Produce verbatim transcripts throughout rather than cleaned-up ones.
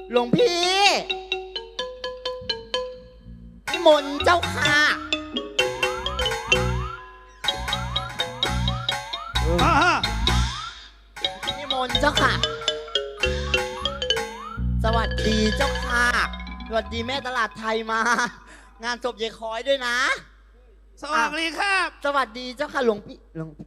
หลวงพี่นิมนต์เจ้าค่ะนิมนต์เจ้าค่ะสวัสดีเจ้าค่ะสวัสดีแม่ตลาดไทยมางานศพยายคอยด้วยนะสวัสดีครับสวัสดีเจ้าค่ะหลวงพี่หลวง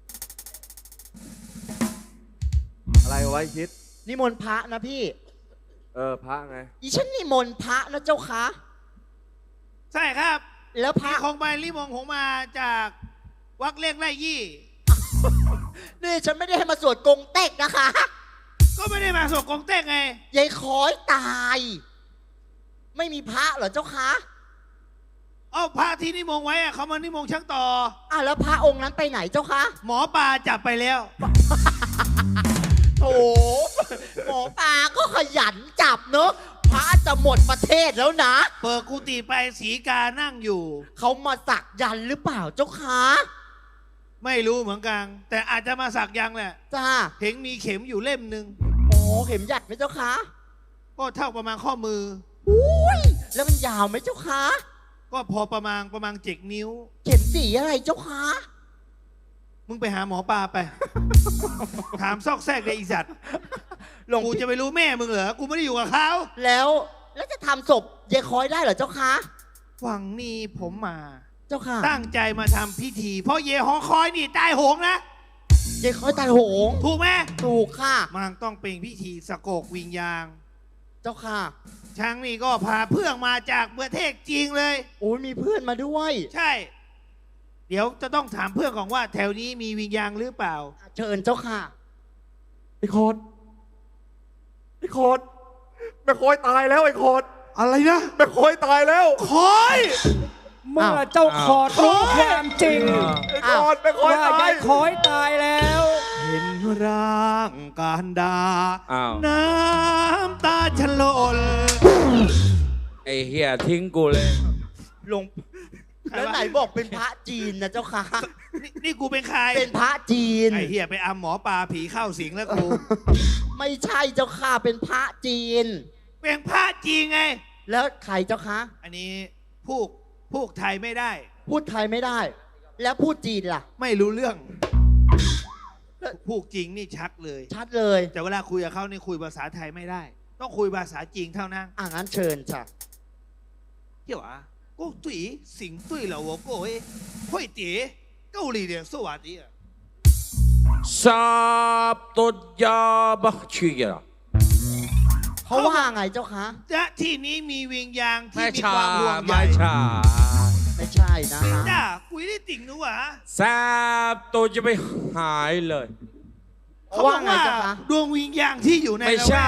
อะไรไว้คิดนิมนต์พระนะพี่เออพระไงอีฉันนิมนต์พระนะเจ้าค่ะใช่ครับแล้วพระของใบลิมงของมาจากวักเล่งไร่ยี่นี่ฉันไม่ได้ให้มาสวดกงเต็กนะคะก็ไม่ได้มาสวดกงเต็กไงยายคอยตายไม่มีพระเหรอเจ้าคะอ้าวพระที่นิมงไว้อะเขามานิมงช่างต่ออ่ะแล้วพระองค์นั้นไปไหนเจ้าคะหมอปลาจับไปแล้วโอ้หมอปลาก็ขยันจับเนอะพระจะหมดประเทศแล้วนะเปิดกุฏิไปสีกานั่งอยู่เขามาสักยันหรือเปล่าเจ้าคะไม่รู้เหมือนกันแต่อาจจะมาสักยันแหละจ้าเห็นมีเข็มอยู่เล่มหนึ่งโอ้เข็มหยัดไหมเจ้าคะก็เท่าประมาณข้อมืออุ้ยแล้วมันยาวไหมเจ้าคะก็พอประมาณประมาณเจ็ดนิ้วเข็มสีอะไรเจ้าคะมึงไปหาหมอปลาไป ถามซอกแซกเลยอีสัตว์กูจะไปรู้แม่มึงเหรอกูไม่ได้อยู่กับเขาแล้วแล้วจะทำศพยายคอยได้เหรอเจ้าคะวังนี้ผมมาเจ้าค่ะตั้งใจมาทำพิธีเพราะเยหอคอยนี่ตายโหงนะยายคอยตายโหงถูกไหมถูกค่ะมันต้องเป็นพิธีสะกกวิญญาณเจ้าค่ะช้างนี่ก็พาเพื่อนมาจากประเทศจีนเลยโอ้ยมีเพื่อนมาด้วยใช่เดี๋ยวจะต้องถามเพื่อนของว่าแถวนี้มีวิญญาณหรือเปล่าเชิญเจ้าค่ะไอ้โคตรไอ้โคตรแม่โคอยตายแล้วไอ้โคตรอะไรนะแม่โคอยตายแล้วคอยเมื่อเจ้าขอดรู้ความจริงไอ้โคตรแม่โคอยตายคอยตายแล้วเห็นร่างการดาน้ำตาฉลนไอ้เหี้ยทิ้งกูเลยลงแล้วไหนบอกเป็นพระจีนนะเจ้าค่ะนี่นี่กูเป็นใครเป็นพระจีนไอ้เหี้ยไปอำหมอปลาผีเข้าสิงแล้วกูไม่ใช่เจ้าค่ะเป็นพระจีนเป็นพระจีนไงแล้วใครเจ้าคะอันนี้พูดพูดไทยไม่ได้พูดไทยไม่ได้แล้วพูดจีนล่ะไม่รู้เรื่องพูดจริงนี่ชัดเลยชัดเลยแต่เวลาคุยกับเขานี่คุยภาษาไทยไม่ได้ต้องคุยภาษาจีนเท่านั้นอ่ะงั้นเชิญจ้ะเที่ยวอ่ะก็ตุ๋ยสิงตุ๋ยแล้ว我各位会碟够力的说话的ทราบตุยาบักชีอะเขาว่าไงเจ้าคะและที่นี้มีวิญญาณที่มีความห่วงใยไม่ใช่ไม่ใช่นะคะจ้าคุยได้ติ่งนู้วะทราบตัวจะไม่หายเลยเขาว่าไงเจ้าคะดวงวิญญาณที่อยู่ในไม่ใช่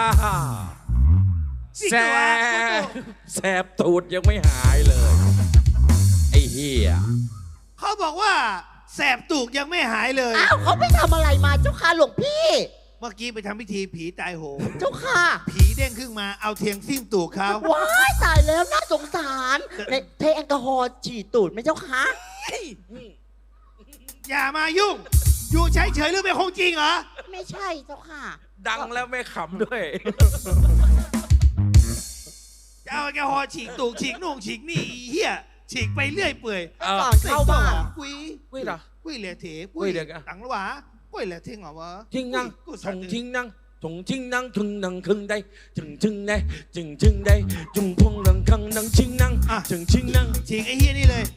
แสบแสบตูดยังไม่หายเลยไอ้เหี้ยเขาบอกว่าแสบตูดยังไม่หายเลยอ้าวเขาไปทำอะไรมาเจ้าค่ะหลวงพี่เมื่อกี้ไปทำพิธีผีตายโหงเจ้าค่ะผีเด้งขึ้นมาเอาเทียงซิ่มตูดเขาว้ายตายแล้วน่าสงสารในเทแอลกอฮอล์ฉีดตูดไหมเจ้าค่ะอย่ามายุ่งอยู่เฉยเฉยหรือเป็นของจริงเหรอไม่ใช่เจ้าค่ะดังแล้วไม่ขำด้วยจะเอาแกหอฉีกตูกฉีกนุ่งฉีกนี่เฮียฉีกไปเรื่อยเปื่อยก่อนเข้าบ้านกุยกุยเหรอกุยเหลือเถกุยตังหรอวะกุยเหลือเท่งเหรอวะทิ้งนั่งถงทิ้งนั่งถงทิ้งนั่งถึงนั่งคึงได้ถึงถึงได้จึงจึงได้จุงพงนั่งคังนั่งชิงนั่งถึงชิงนั่งฉีกไอ้เฮียนี่เลย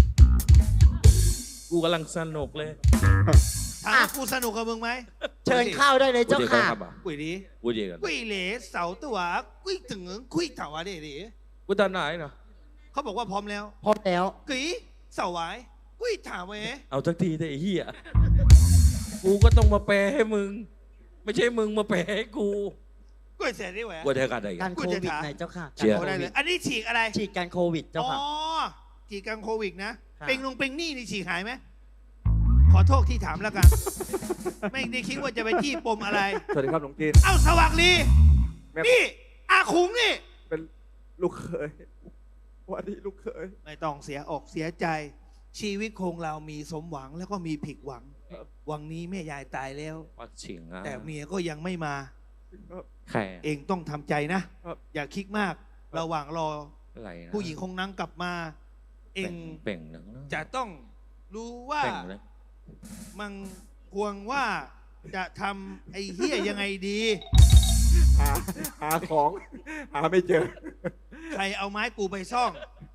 กูกำลังสนุกเลยถามกูสนุกกับมึงไหมเชิญเข้าได้เลยเจ้าค่ะกุยดีกุยดีกันกุยเหลือเสาตัวกุยถึงกุยเถาอะไรดิกุยตาไหนเนาะเขาบอกว่าพร้อมแล้วพร้อมแล้วกุยเสาไว้กุยถาไว้เอาทักทีได้ไอ้เหี้ยกูก็ต้องมาแปลให้มึงไม่ใช่มึงมาแปลให้กูกุยเสร็จได้ไหมกุยเทกันได้การโควิดไหนเจ้าค่ะเชียร์ได้เลยอันนี้ฉีกอะไรฉีกการโควิดเจ้าค่ะอ๋อฉีกการโควิดนะเป็นลงเป็นนี่นี่ฉีกหายไหมขอโทษที่ถามแล้วกันไม่ได้คิดว่าจะไปจี้ปมอะไรสวัสดีครับหลวงจีนเอ้าสว่างลีนี่อาคุงนี่เป็นลูกเขยวันนี้ลูกเขยไม่ต้องเสียอกเสียใจชีวิตคงเรามีสมหวังแล้วก็มีผิดหวังวันนี้แม่ยายตายแล้วแต่เมียก็ยังไม่มาใครเองต้องทำใจนะ อย่าคิดมาก ระหว่างรออะไรนะผู้หญิงคงนั่งกลับมา เองเป่งหนึ่งจะต้องรู้ว่าเป่งเลยมันควรว่าจะทำไอ้เฮียยังไงดีหาหาของ หาไม่เจอใครเอาไม้กูไปซ่อง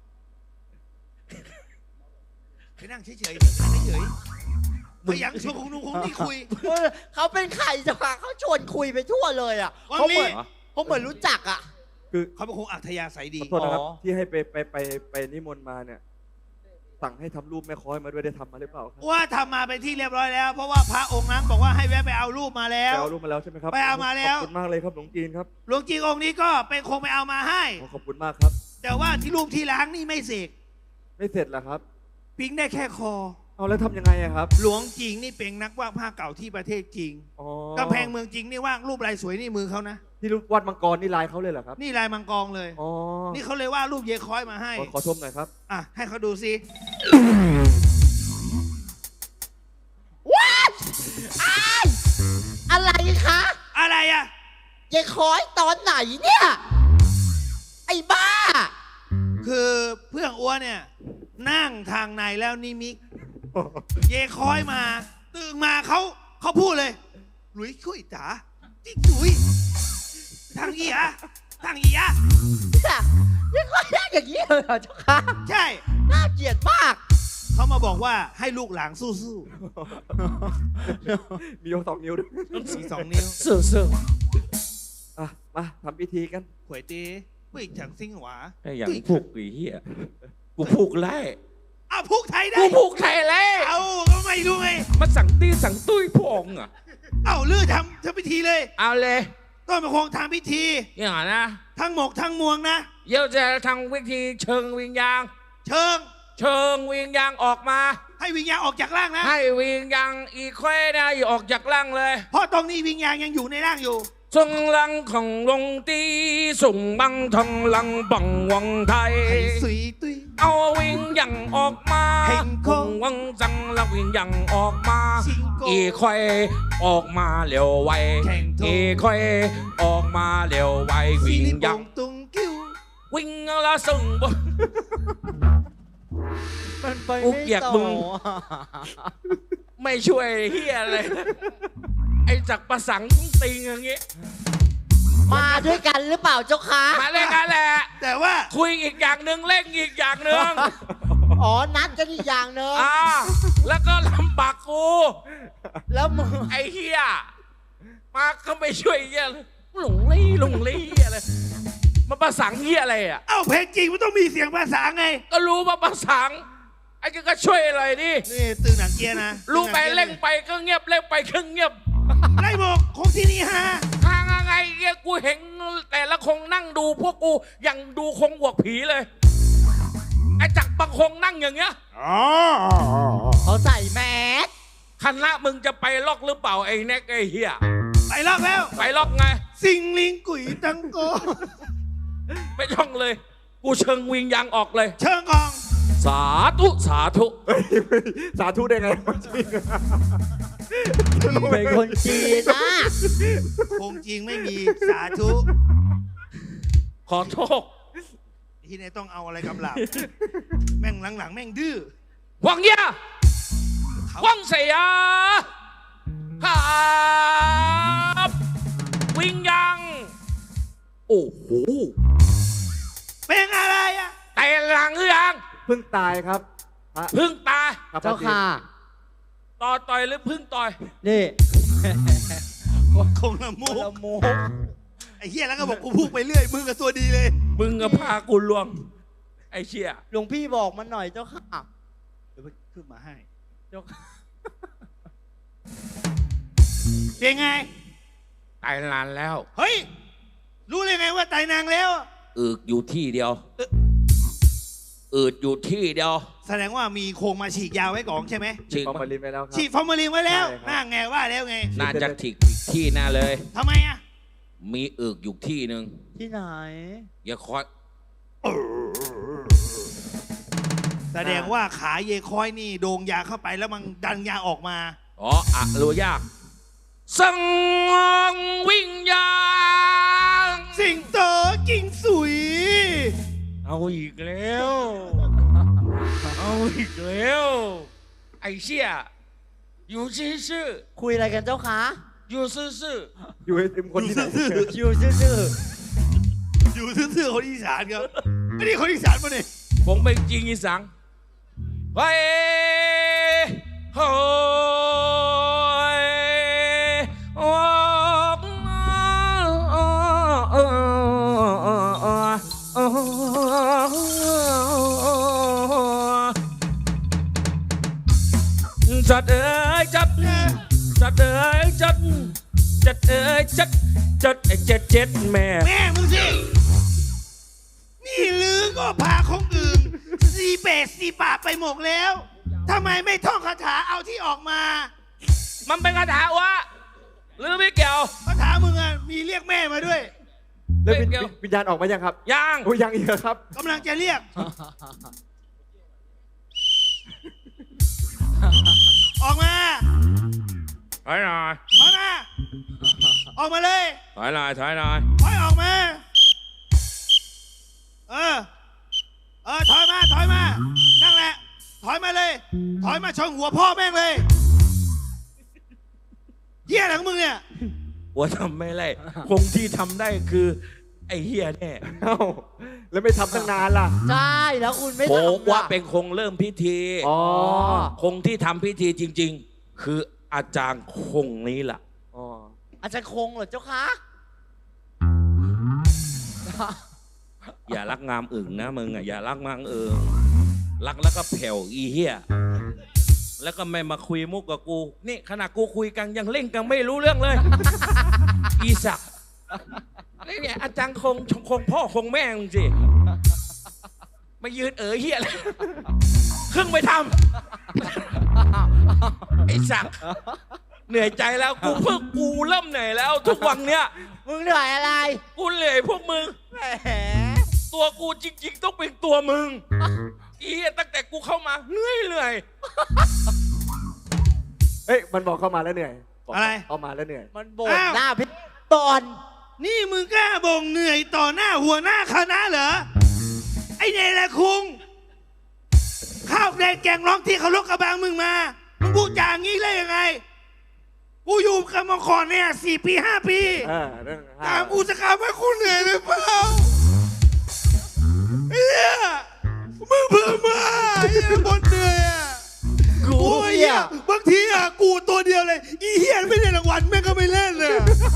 ไปนั่งเฉยๆนั่งเฉยๆไปยังชวนคงนุ่งคงนี่คุยเออเขาเป็นใครจะพาเขาชวนคุยไปทั่วเลยอ่ะวันเขานี้เหมือนเขาเหมือนรู้จักอ่ะคือเขาเป็นคงอัธยาศัยดีขอโทษนะครับอ๋อที่ให้ไปไปไปไปนิมนต์มาเนี่ย สั่งให้ทำรูปแม่ค้อยมาด้วยได้ทำมาหรือเปล่าครับว่าทำมาเป็นที่เรียบร้อยแล้ว เพราะว่าพระองค์นั้นบอกว่าให้แวะไปเอารูปมาแล้วไปเอารูปมาแล้วใช่ไหมครับไปเอามาแล้วขอบคุณมากเลยครับหลวงจีนครับหลวงจีองค์นี้ก็เป็นคงไปเอามาให้ขอขอบคุณมากครับแต่ว่าที่รูปที่ล้างนี่ไม่เสกไม่เสร็จเหรอครับปิ๊งได้แค่คอเอาแล้วทำยังไงอะครับหลวงจีงนี่เป็นนักวาดภาพเก่าที่ประเทศจีนอ๋อกำแพงเมืองจีนนี่วาดรูปลายสวยนี่มือเขานะที่รูปวัดมังกรนี่ลายเขาเลยเหรอครับนี่ลายมังกรเลยอ๋อนี่เขาเลยว่าดรูปเยคอยมาให้ขอขอชมหน่อยครับอ่ะให้เขาดูสิว้ายอ้ายอะไรคะอะไรอ่ะยายคอยตอนไหนเนี่ย ไอ้บ้าคือเพื่อนอ้วนเนี่ย นั่งทางในแล้วนิมิก เยคอยมา ตื่นมาเขาเขาพูดเลย หลุยช่วยจ๋าจิ๊กจุ๋ยทางอีอะทางอีอะเนี่ยยายคอยนั่งอย่างนี้เลยเหรอเจ้าค่ะใช่น่าเกลียดมากเขามาบอกว่าให้ลูกหลานสู้มียกสองนิ้วด้วยๆสีสองนิ้วเสื่อเสื่ออ่ะมาทำพิธีกันขวยตีไม่จังซิงหวาไอ้อย่างผูกไอ้เหี้ยกูผูกไล่อ้าวพูกไทยได้กูผูกไทยไล่เอาก็ไม่รู้ไงมาสั่งตี้สั่งตุ้ยพวกอ่ะเอาเลือดทำทำพิธีเลยเอาเลยต้นมะคงทำพิธีอย่างนั้นนะทั้งหมกทั้งมวงนะเดี๋ยวจะทำวิธีเชิงวิญญาณเชิงเชิงวิญญาณออกมาให้วิญญาณออกจากร่างนะให้วิญญาณอีกแควนะอย่าออกจากร่างเลยเพราะตรงนี้วิญญาณยังอยู่ในร่างอยู่ส่งลังของลงตีส่งบังทองลังบังวังไทยให้สุยตุยเอาวิญญาณออกมาเพ่งโค้งวังจังละวิญญาณออกมาชิงโก้อีควายออกมาเร็วไวแข่งโทอีควายออกมาเร็วไวสีวิญลิปญาณงตุงกิ้ววิ่งละส่งบมันไปกูไม่เกลียดต่อมึง ไม่ช่วยเฮียอะไรไอ้จักรประสังติงอย่างงี้มาด้วยกันหรือเปล่าเจ้าค่ะมาเล่นกันแหละแต่ว่าคุยอีกอย่างหนึ่งเล่นอีกอย่างหนึ่งอ๋อ นัดกันอีกอย่างเนอะอ่าแล้วก็ลำบากกูแล้วมึงไอ้เฮียมาก็ไม่ช่วยเฮียเลยหลงลี่หลงลี่เฮียเลยมาประสังเฮียอะไรอ่ะเอ้าเพลงจริงมันต้องมีเสียงภาษาไงก็รู้ว่าประสังไอ้ก็ช่วยอะไรดินี่ตื่นหนังเกียร์นะรู้ไปเล่งไปก็เงียบเล่งไปก็เงียบไล่บอกคงที่นี่ฮะทางอะไรเงี้ยกูเห็นแต่ละคงนั่งดูพวกกูอย่างดูคงบวกผีเลย ไอ้จักรบางคงนั่งอย่างเงี้ยเขาใส่แมสคณะมึงจะไปล็อกหรือเปล่าไอ้แน็กไอ้เฮียไปรอบแล้วไปล็อกไงสิงลิงกุ๋ยตังโกไม่ช่องเลย กูเชิงวิงยางออกเลยเชิงกองสาธุสาธุเฮ้ยสาธุได้ไงจริงเป็นคนจีนนะคงจริงไม่มีสาธุขอโทษที่ไหนต้องเอาอะไรกำลับ แม่งหลังๆแม่งดื้อหวังเยาหวังเสียครับวิงยังโอ้โหเป็นอะไรอ่ะแต่หลังหรือยังเพิ่งตายครับพระพึ่งตายครับเจ้าค่ะต่อต่อยหรือพึ่งต่อยนี่คงละมุกละโมกไอ้เหี้ยแล้วก็บอกกูพูดไปเรื่อยมึงกับตัวดีเลยมึงกับพากูลวง ไอ้เชี่ยหลวงพี่บอกมันหน่อยเจ้าค่ะเดี๋ยวขึ้นมาให้เจ้าค่ะเป็นไงตายนานแล้วเฮ้ย รู้เลยไงว่าตายนางแล้วอึกอยู่ที่เดียวอืดอยู่ที่เดียวแสดงว่ามีโครงมาฉีกยาวไว้ก่อนใช่ไหมฉีกฟอร์มาลินไปแล้วครับฉีดฟอร์มาลินไว้แล้วใช่ครับน่าไงว่าแล้วไงน่าจะถิกอีกที่หน่าเลยทำไมอ่ะมีอึกอยู่ที่หนึ่งที่ไหนอย่าคอยแสดงว่าขาเยคอยนี่โดงยาเข้าไปแล้วมันดันยาออกมาอ๋ออะรู้ยากสังวิญญาณสิงโตกิงสุยเอาอีกแล้ว เอาอีกแล้ว ไอ้เชี่ยอยู่ซื่อคุยอะไรกันเจ้าคะๆอยู่ซื่ออยู่ไอติมคนที่ไหนอยู่ซื่ออยู่ซื่อๆคนอีสานครับไม่ได้คนอีสานมาเนี่ยๆผมเป็นจริงอีสังไปโอ้ยโอ้จัดเอ้ยจัดจัดเอ้ยจัดจัดเอ้ยจัดจัดไอ้เจ็ดเจ็ดแม่แม่มึงสินี่ลือก็พาของอื่นสีเปดสีป่าไปหมดแล้วทำไมไม่ท่องคาถาเอาที่ออกมามันเป็นคาถาวะหรือไม่เกี่ยวคาถามึงอ่ะมีเรียกแม่มาด้วยแล้ววิญเดี๋ยววิญญาณออกมายังครับยังโอ้ยยังอีกเหรอครับกำลังจะเรียก ออกมาถอยหน่อยออกมา ออกมาเลยถอยหน่อยถอยหน่อยถอยออกมา เออ เออ ถอยมา ถอยมา นั่งแหละ ถอยมาเลย ถอยมาชนหัวพ่อแม่งเลยเหี้ยหลังมึงเนี่ยหัวทำไม่ไรคงที่ทำได้คือ ไอ้เฮียแน่เอ้า แล้วไม่ทำตั้งนานล่ะๆใช่แล้วคุณไม่โผทำว่าล่ะเป็นคงเริ่มพิธีอ๋อคงที่ทำพิธีจริง ๆ คืออาจารย์คงนี้ล่ะอ๋ออาจารย์คงเหรอเจ้าคะอย่ารักงามอึ่งนะมึงอ่ะอย่ารักงามอึ่งรักแล้วก็แผ่วอีเฮียแล้วก็ไม่มาคุยมุกกับกู นี่ขณะกูคุยกันยังเล่นกันไม่รู้เรื่องเลย อีสักนี่เนี่ยอาจารย์คงคงพ่อคงแม่มึงสิมายืนเอ๋ยเฮียอะไรครึ่งไปทำไอ้สักเหนื่อยใจแล้วกูเพิ่งกูเริ่มเหนื่อยแล้ว ทุกวันเนี้ยมึงเหนื่อยอะไรกูเหนื่อยพวกมึงแหมตัวกูจริงๆต้องเป็นตัวมึง อีเหี้ยตั้งแต่กูเข้ามาเหนื่อยเหนื่อยเอ้ย มันบอกเข้ามาแล้วเหนื่อยบกอะไรเข้ามาแล้วเหนื่อยมันบ่นอ้าวหน้าพิตอนนี่มึงกล้าบ่งเหนื่อยต่อหน้าหัวหน้าคณะเหรอ ไอ้เนรคุง ข้าวแดงแกงร้องที่เขาลกกระบังมึงมา มึงพูดจาอย่างนี้ได้ยังไง กูอยู่กับมาก่อนเนี่ยสี่ปีห้าปีเออเรื่องตามกูจะกลับให้คุณเหนื่อยหรือเปล่าเฮียมึงเพิ่มมาเฮียบนเหนื่อยอ่ะกูโอ้ยเฮียบางทีอ่ะกูตัวเดียวเลย อีเฮียไม่ได้รางวัลแม่งก็ไม่เล่นเลย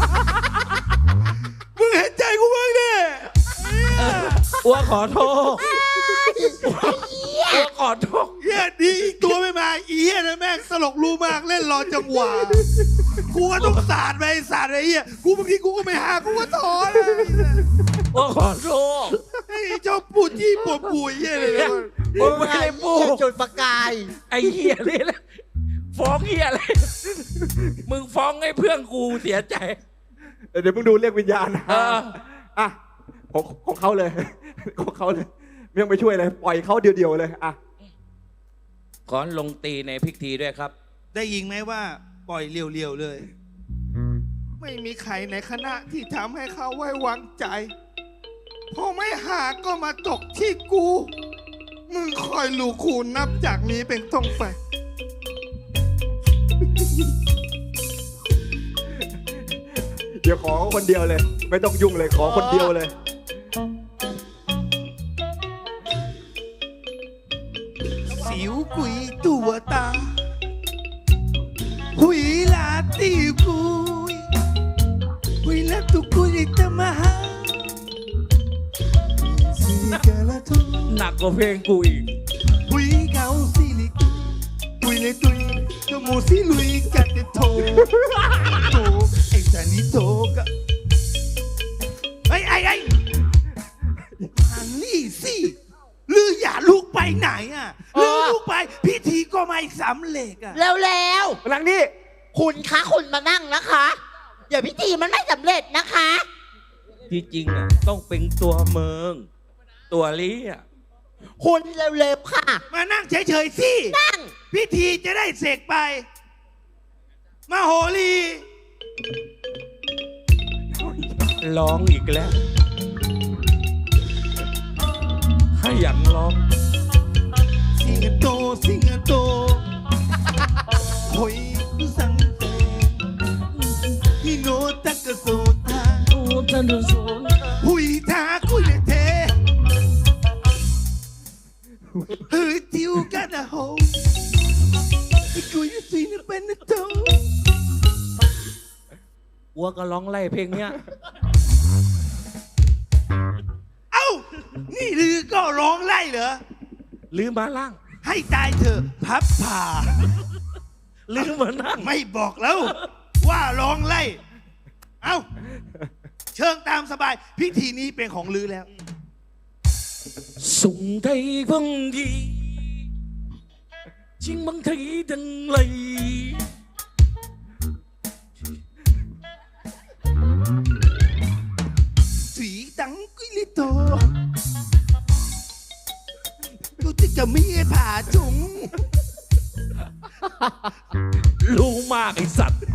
มึงเห็นใจกูบ้างดิอ้วขอโทษอ้วขอโทษเฮียดีอีกตัวไม่มาอีเฮียนะแม่งสลกรู้มากเล่นรอจังหวะกูก็ต้องสาดไปสาดไปเฮียกูบางทีกูก็ไม่หากูก็ถอนอ้วขอโทษไอ้เจ้าปูจี้ปวดปุยเฮียเลยมึงไม่ได้พูดจุดประกายไอ้เหี้ยนี่แหละฟ้องเหี้ยอะไรมึงฟ้องให้เพื่อนกูเสียใจเดี๋ยวมึงดูเรียกวิญญาณนะเอออ่ะของของเขาเลย ของเขาเลยไม่ต้องไปช่วยเลย ปล่อยเขาเดียวๆเลย อ่ะขอลงตีในพิธีด้วยครับได้ยินไหมว่าปล่อยเรียวๆเลย ไม่มีใครในคณะที่ทำให้เขาไว้วางใจพอไม่หาก็มาตกที่กู มึงคอยลูคูณนับจากนี้เป็นต้นไปเดี๋ยวขอคนเดียวเลย ไม่ต้องยุ่งเลย ขอคนเดียวเลยสิวกุยตัวตาหุยลาตีกุยหุยลาตุกุยตะมาหาสีกะละทุหนักกว่าเพลงกูอีกหุยเกาสิลิกุยหุยเลยตุยกะโมสิลุยกะเตโทโตไอ้จานิโตกะไอ้ไอ้ไอ้ทางนี่สิหรืออย่าลูกไปไหนอ่ะหรือลูกไปพิธีก็ไม่สำเร็จอ่ะแล้วแล้วหลังนี้ๆคุณคะคุณมานั่งนะคะเดี๋ยวพิธีมันไม่สำเร็จนะคะที่จริงอ่ะต้องเป็นตัวเมือง ตัวลี้อ่ะคุณเร็วๆค่ะมานั่งเฉยๆสินั่งพิธีจะได้เสร็จไป มาโหรีร้องอีกแล้วให้ยันร้องสิงโตสิงโตหอยกุสังเตฮิโนตักโซตาโอ้ท่านสนหุยทาคุยเลเทเฮ้ยทิวกันนะโฮที่กูอยู่สินะเป็นนะโตวัวก็ร้องไล่เพลงเนี้ยเอ้านี่ลือก็ร้องไล่เหรอลืมมาล่างให้ตายเถอะพับผ่าลืมมานั่งไม่บอกแล้ว ว่าร้องไล่ เอ้า เชิงตามสบาย พิธีนี้เป็นของลือแล้ว送睇風意，千蚊睇定嚟。 สีดังกุลิโตกูจะจะมีผ่าจุงรู้มากไอสัตว์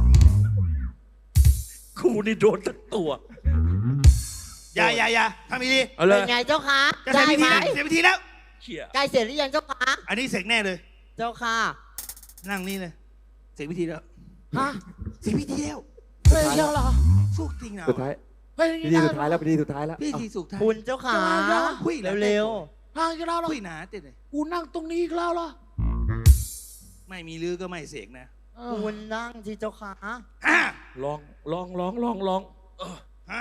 กูนี่โดนทั้งตัวอย่าอย่าอย่าทำดีเอาเลเป็ยนไงเจ้าคะจะเสร็ได้จพิไหมธีแล้วเสร็จพิธีแล้วเชี่ยใกล้เสร็จหรือยังเจ้าคะอันนี้เสร็จแน่เลยเจ้าค่ะนั่งนี่เลย เสร็จพิธีแล้วฮะเสร็จพิธีแล้วเฮ้ยเจ้าเหรอสุกจริงนะสุดท้ายเฮ้ยพิธีสุดท้ายแล้วพิธีสุดท้ายแล้วพิธีสุกท้ายคุณเจ้าค่ะคุยแล้วเร็วห่างกันแล้วเหรอคุยหนาเต็ดเลยกูนั่งตรงนี้อีกแล้วเหรอไม่มีลือก็ไม่เสกนะเอๆอคุณนั่งที่เจ้าค่ะห้าลองลองลองลองลองห้า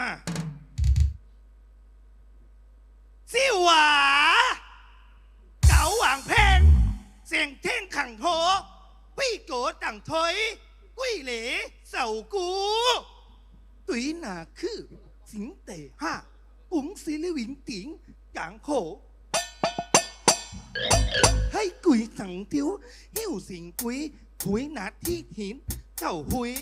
สิหวาเก๋าหวางแพงเสียงเท่งขังโถปี้โกต่างถอยกุ้ยเหลเสากูตุ้ยหนาคือสิงเตะห้าปุ๋งซีลิวิงติ๋งกางโขให้กุยสังทิวหิ้วสิงกุยหุยหนาที่หินเจ้าหุย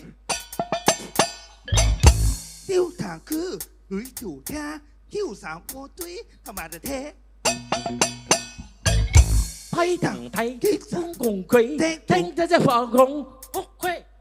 ติ้วถางคือหุยจู่แท้หิ้วสามโอตุ้ยธรรมดาเท批騰睇風共佢，聽得只放空屋區。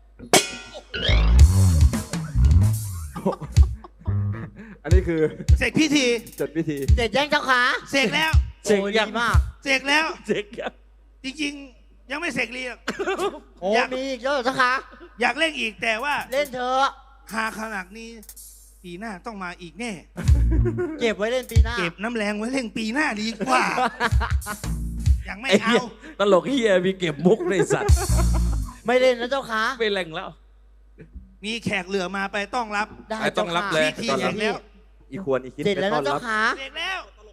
อันนี้คือเสร็จพิธีจดพิธีเสร็จยังเจ้าค่ะเสร็จแล้วเสร็จโอ้ยยังดีมากเสร็จแล้วเจ๊กยังจริงๆ ยังไม่เสร็จลีหรอกโอ้อยากมีอีกแล้วเหรอเจ้าค่ะอยากเล่นอีกแต่ว่าเล่นเถอะหาขนาดนี้ ปีหน้าต้องมาอีกแน่เก็บไว้เล่นปีหน้าเก็บน้ำแรงไว้เล่นปีหน้าดีกว่า ยังไม่ไอ้เอาเหี้ยตลกเฮียมีเก็บมุกในสัตว์ไม่เล่นนะเจ้าค่ะไม่แรงแล้วมีแขกเหลือมาไปต้องรับได้ไอ้ต้องรับเลยพิธีเสร็จแล้วอีควรอีคิดเสร็จแล้วต้อนะนเจ้ารับค่ะเสร็จแล้ว